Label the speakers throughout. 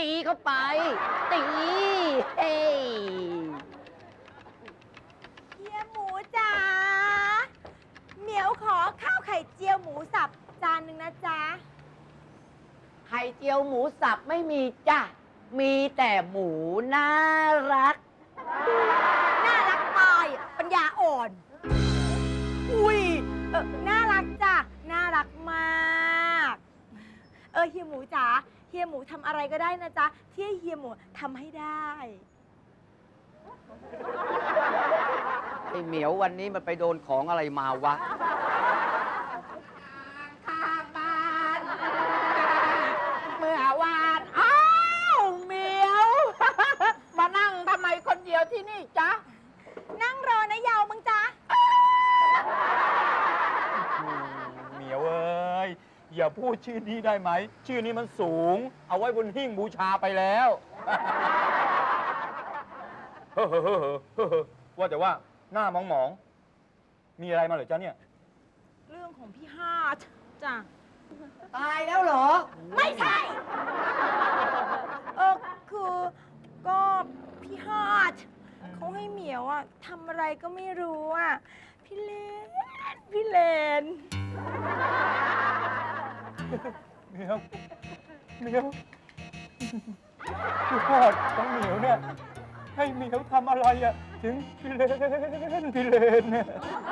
Speaker 1: ตีเข้าไป ตีเฮ้ย
Speaker 2: เฮียหมูจ๋าเหมียวขอข้าวไข่เจียวหมูสับจานหนึ่งนะจ๊ะ
Speaker 1: ไข่เจียวหมูสับไม่มีจ้ะ มีแต่หมูน่ารัก
Speaker 2: น่ารักตายปัญญาอ่อน อุ้ยน่ารักจ้ะน่ารักมากเฮียหมูจ๋าเฮียหมูทำอะไรก็ได้นะจ๊ะที่เฮียหมูทำให้ได้
Speaker 1: ไอ้เหมียววันนี้มันไปโดนของอะไรมาวะ
Speaker 3: ข้างบ้านเมื่อวานอ้าวเหมียว มานั่งทำไมคนเดียวที่นี่จ๊ะ
Speaker 2: นั่งรอนะยาวมึงจ๊ะ
Speaker 4: เหมียวเอ้ยอย่าพูดชื่อนี้ได้ไหม ชื่อนี้มันสูง เอาไว้บนหิ้งบูชาไปแล้ว เฮ้อว่าแต่ว่าหน้ามองๆมีอะไรมาเหรอจ๊ะเนี่ย
Speaker 2: เรื่องของพี่ฮาดจ้ะ
Speaker 1: ตายแล้วเหรอ
Speaker 2: ไม่ใช่ คือก็พี่ฮาดเขาให้เหมียวอะทำอะไรก็ไม่รู้อะพี่เลน
Speaker 4: เหมียวพี่พอดของเหมียวเนี่ยให้เหมียวทำอะไรอะถึงพี่เลนเนี่ย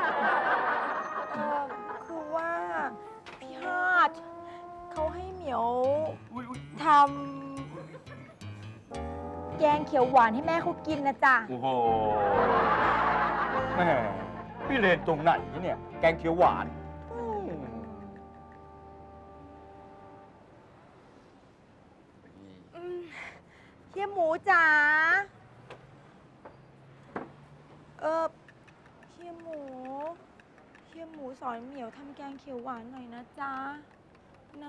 Speaker 2: คือว่าพี่ฮาดเขาให้เหมียวทำแกงเขียวหวานให้แม่เขากินนะจ๊ะ
Speaker 4: โอ้โหแม่พี่เลนตรงไหนเนี่ยแกงเขียวหวาน
Speaker 2: เฮียหมูจ๋าเฮียหมูสอนเหมียวทำแกงเขียวหวานหน่อยนะจ๊ะนะ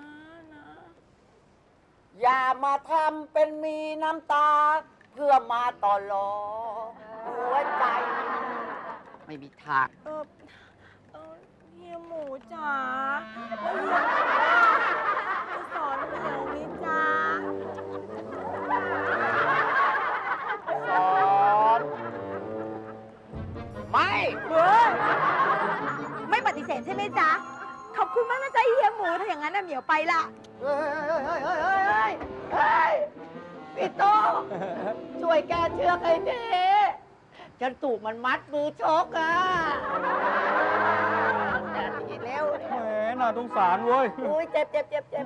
Speaker 1: อย่ามาทำเป็นมีน้ำตา เพื่อมาต่อรองหัวใจ ไม่มีทาง
Speaker 2: เฮียหมูจ๋าแล้วเฮียหมูจะสอนเหมียวไหมจ๊ะ
Speaker 1: สอนไม่
Speaker 2: ไม่ปฏิเสธใช่ไหมจ๊ะ ขอบคุณมากนะจ๊ะเฮียหมูถ้าอย่างนั้นน่ะเหมียวไปละ
Speaker 1: เฮ้ยพี่โตช่วยแกเชือกให้ทีฉันถูกมันมัดมือชกอ่ะทีเร็ว
Speaker 4: แหมน่าสงสารเว้ย
Speaker 1: อุ้ยเจ็บ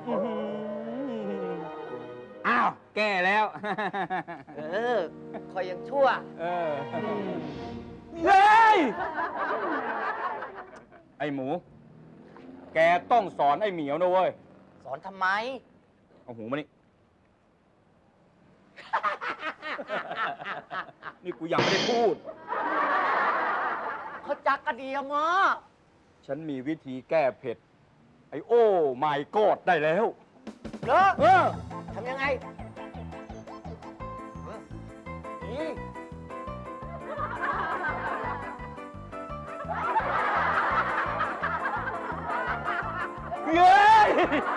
Speaker 4: อ้าว แก้แล้ว
Speaker 1: คอยยังชั่ว
Speaker 4: เฮ้ย ไอหมู แกต้องสอนไอเหมียวนะเว้ย
Speaker 1: สอนทำไม
Speaker 4: เอาหูมานี่ นี่กูยังไม่ได้พูด
Speaker 1: เขาจักกระเดียมอ่ะ
Speaker 4: ฉันมีวิธีแก้เผ็ด ไอโอ้ไม่กอดได้แล้ว
Speaker 1: เหรอ
Speaker 4: เออ
Speaker 1: ทำยังไงนี่
Speaker 4: เย้ย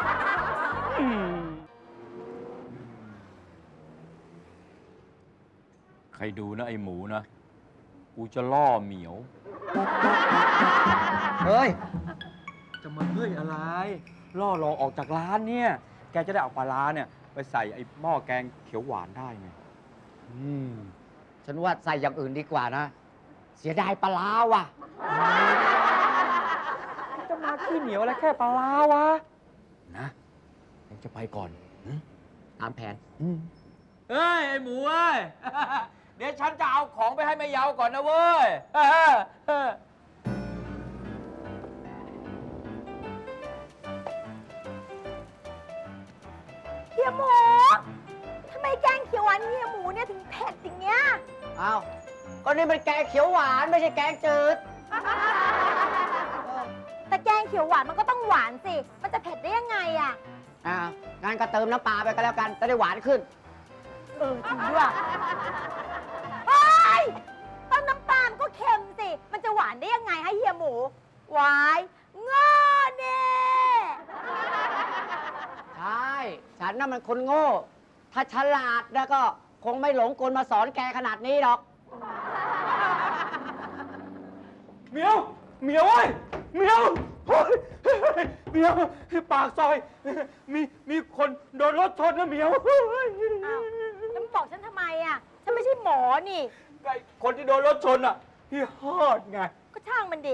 Speaker 4: ใครดูนะไอหมูนะ กูจะล่อเหมียว
Speaker 1: เฮ้ย
Speaker 4: จะมาเฮ้ยอะไร ล่อรอออกจากร้านเนี่ย แกจะได้เอาปลาร้าเนี่ย ไปใส่ไอ้หม้อแกงเขียวหวานได้ไง
Speaker 1: ฉันว่าใส่อย่างอื่นดีกว่านะ เสียดายปลาร้าว่ะ
Speaker 4: จะมาขี้เหนียวอะไรแค่ปลาร้าวะ นะยังจะไปก่อน
Speaker 1: ตามแผน
Speaker 3: เฮ้ย ไอหมูเอ้ย เดี๋ยวฉันจะเอาของไปให้แม่เยาก่อนนะเว้ย
Speaker 2: เฮียหมูทำไมแกงเขียวหวานเฮียหมูเนี่ยถึงเผ็ดอย่างเงี้ย
Speaker 1: อ้าว ก็นี่มันแกงเขียวหวานไม่ใช่แกงจืด
Speaker 2: แต่แกงเขียวหวานมันก็ต้องหวานสิ มันจะเผ็ดได้ยังไงอะ
Speaker 1: งั้นก็เติมน้ำปลาไปก็แล้วกัน จะได้หวานขึ้น
Speaker 2: จริงด้วยเฮ้ยต้นน้ำตาลก็เค็มสิ มันจะหวานได้ยังไงให้เฮียหมูหวายง้อเน่
Speaker 1: ใช่ ฉันน่ะมันคนโง่ถ้าฉลาดแล้วก็คงไม่หลงกลมาสอนแกขนาดนี้หรอก
Speaker 4: เหมียวเว้ยเหมียวโอ๊ยเหมียวปากซอย มีคนโดนรถชนนะเหมียว
Speaker 2: อ้าวแล้วมึงบอกฉันทำไมอ่ะ ฉันไม่ใช่หมอนี่
Speaker 4: ไอ้คนที่โดนรถชนอ่ะพี่ฮอดไง
Speaker 2: ก็ช่างมันดิ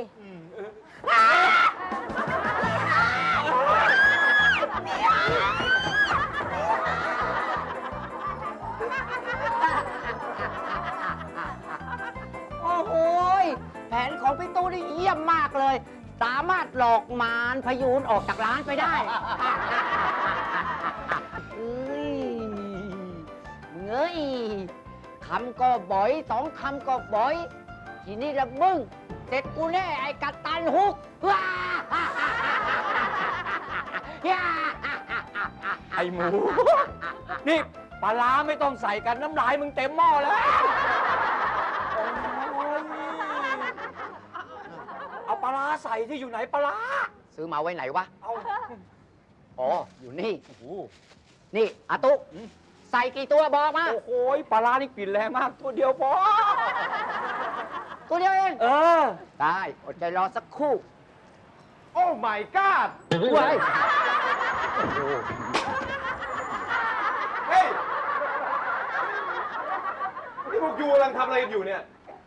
Speaker 1: โอ้โหยแผนของพี่ตู้นี่เยี่ยมมากเลย สามารถหลอกมารพยูนออกจากร้านไปได้ เอ้ยคำก็บ่อยสองคำก็บ่อย ทีนี้ละมึงเสร็จกูแน่ไอ้กัปตันฮุก ว้า
Speaker 4: ไอ้หมู นี่ปลาร้าไม่ต้องใส่กันน้ำลายมึงเต็มหม้อแล้ว โอ้ยเอาปลาร้าใส่ที่อยู่ไหนปลาร้า
Speaker 1: ซื้อมาไว้ไหนวะ
Speaker 4: เอา
Speaker 1: อ๋อ อยู่นี่
Speaker 4: โอ้โห
Speaker 1: นี่อาตุใส่กี่ตัวบอกมา
Speaker 4: โอ้โหปลาร้านี่กลิ่นแรงมาก ตัวเดียวพอ
Speaker 1: ตัวเดียวเอง
Speaker 4: เออ
Speaker 1: ได้อดใจรอสักครู่
Speaker 5: โอ้ my god
Speaker 1: ไว้
Speaker 5: เฮ้ย นี่พวกยูกำลังทำอะไรกันอยู่เนี่ย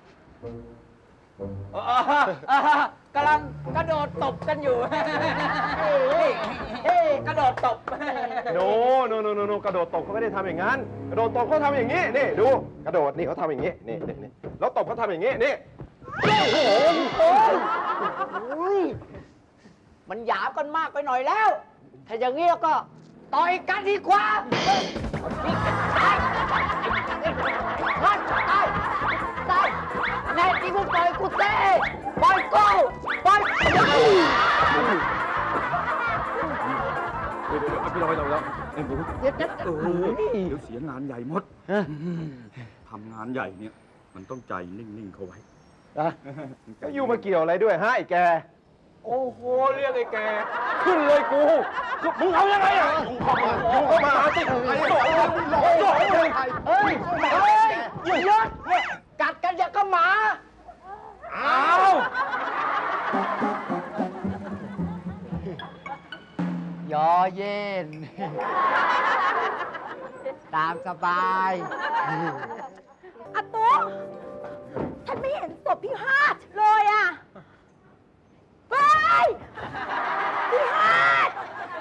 Speaker 4: กำลังกระโดดตบกันอยู่ กระโดดตบ
Speaker 5: โนกระโดดตบเขาไม่ได้ทำอย่างนั้น กระโดดตบเขาทำอย่างนี้ นี่ดู กระโดดนี่เขาทำอย่างนี้ นี่แล้วตบเขาทำอย่างนี้ นี่
Speaker 1: มันหยาบกันมากไปหน่อยแล้ว ถ้าอย่างนี้แล้วก็ต่อยกันดีกว่าตายแน่จริงมึงปล่อยกูเต้ปล่อยกูปล่อย
Speaker 4: พี่ลอยแล้วไอ้หมู
Speaker 1: เดี๋ยว
Speaker 4: เดี๋ยวเสียงานใหญ่หมดทำงานใหญ่เนี่ย มันต้องใจนิ่งๆเขาไว้
Speaker 5: ก็ยูมาเกี่ยวอะไรด้วยฮะไอ้แก
Speaker 4: โอ้โห เรียกไอ้แก ขึ้นเลยกูมึงเอายังไงอ่ะ
Speaker 5: ยูเข้ามาสิไอ้หลอยเลย
Speaker 1: เฮ้ยหยุดเนี่ยกัดกันอย่างกับหมา
Speaker 4: อ้าว
Speaker 1: ยอเย็น ตามสบาย
Speaker 2: อาตุ๊กฉันไม่เห็นศพพี่ฮาดเลยอ่ะเฮ้ยพี่ฮาด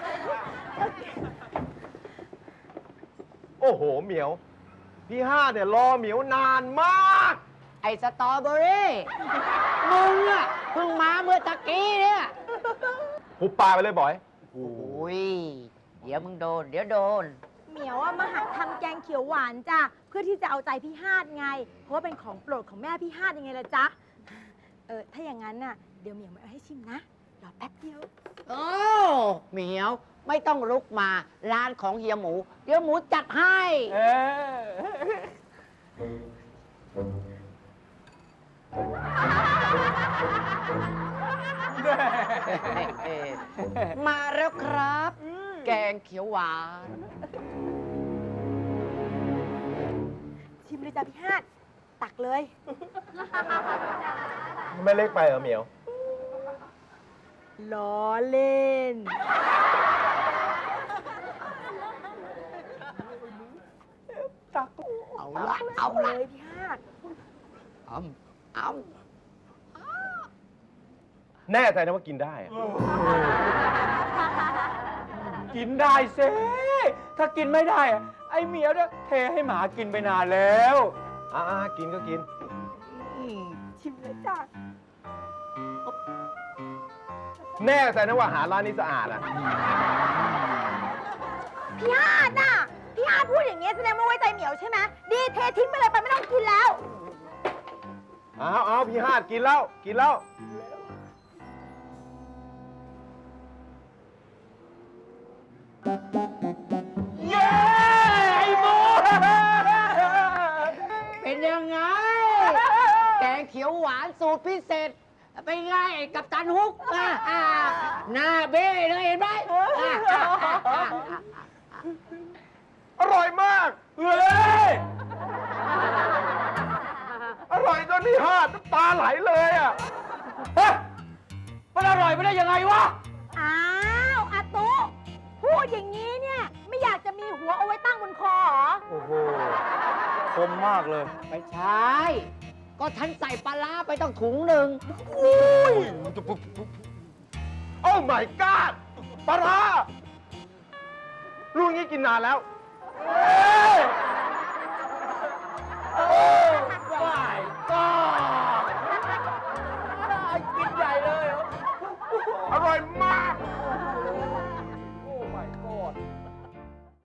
Speaker 5: โอ้โห เหมียว พี่ห้าเนี่ยรอเหมียวนานมาก
Speaker 1: ไอ้สตรอเบอรี่ มึงอะเพิ่งมาเมื่อตะกี้เนี่ย
Speaker 5: หุบปากไปเลยบอย
Speaker 1: โอ้ย เดี๋ยวมึงโดน เดี๋ยวโดน
Speaker 2: เหมียวอะมาหัดทำแกงเขียวหวานจ้ะเพื่อที่จะเอาใจพี่ฮาดไง เพราะว่าเป็นของโปรดของแม่พี่ฮาดยังไงล่ะจ๊ะถ้าอย่างนั้นน่ะเดี๋ยวเหมียวมาเอาให้ชิมนะรอแป๊บเดียว
Speaker 1: โอ้เหมียวไม่ต้องลุกมา ร้านของเฮียหมู เดี๋ยวหมูจัดให้
Speaker 4: เออ
Speaker 1: มาแล้วครับ แกงเขียวหวาน
Speaker 2: ชิมเลยจ้ะพี่ฮาดตักเลย
Speaker 5: ไม่เล็กไปเหรอเหมียว
Speaker 2: ล้อเล่น
Speaker 1: เอาละเอา
Speaker 2: เล
Speaker 1: ละ
Speaker 2: ยพี่ฮาด
Speaker 1: เอา
Speaker 5: แน่ใจนะว่ากินได้อะ
Speaker 4: กินได้เซ่ถ้ากินไม่ได้อะไอ้เหมียวเนี่ยเทให้หมากินไปนานแล้ว
Speaker 5: กินก็กิน
Speaker 2: ชิมเลยจ้ะ
Speaker 5: แน่ใจนะว่าอาหารร้านนี้สะอาดอ่ะ
Speaker 2: พี่ฮาดน่ะพี่ฮาดพูดอย่างเงี้ยแสดงว่าไว้ใจเหมียวใช่ไหมดีเททิ้งไปเลยไปไม่ต้องกินแล้ว
Speaker 5: เอาพี่ฮาดกินแล้ว กินแล้ว
Speaker 4: เย้ไอ้หมู
Speaker 1: เป็นยังไง แกงเขียวหวานสูตรพิเศษ เป็นไงไอ้กัปตันฮุกหน้าเบ้เลยเห็นไหม
Speaker 5: อร่อยมาก
Speaker 4: เฮ้ย
Speaker 5: อร่อยจนที่ห้าน้ำตาไหลเลยอ่ะ
Speaker 4: เฮ้ยมันอร่อยไปได้ยังไงวะ
Speaker 2: อ้าวอาตุพูดอย่างนี้เนี่ย ไม่อยากจะมีหัวเอาไว้ตั้งบนคอเหรอ
Speaker 4: โอ้โห คมมากเลย
Speaker 1: ไม่ใช่ ก็ฉันใส่ปลาร้าไปต้องถุงหนึ่ง
Speaker 5: โอ้ my god ปลาร้าลูกนี้กินนานแล้ว
Speaker 4: เฮ้ย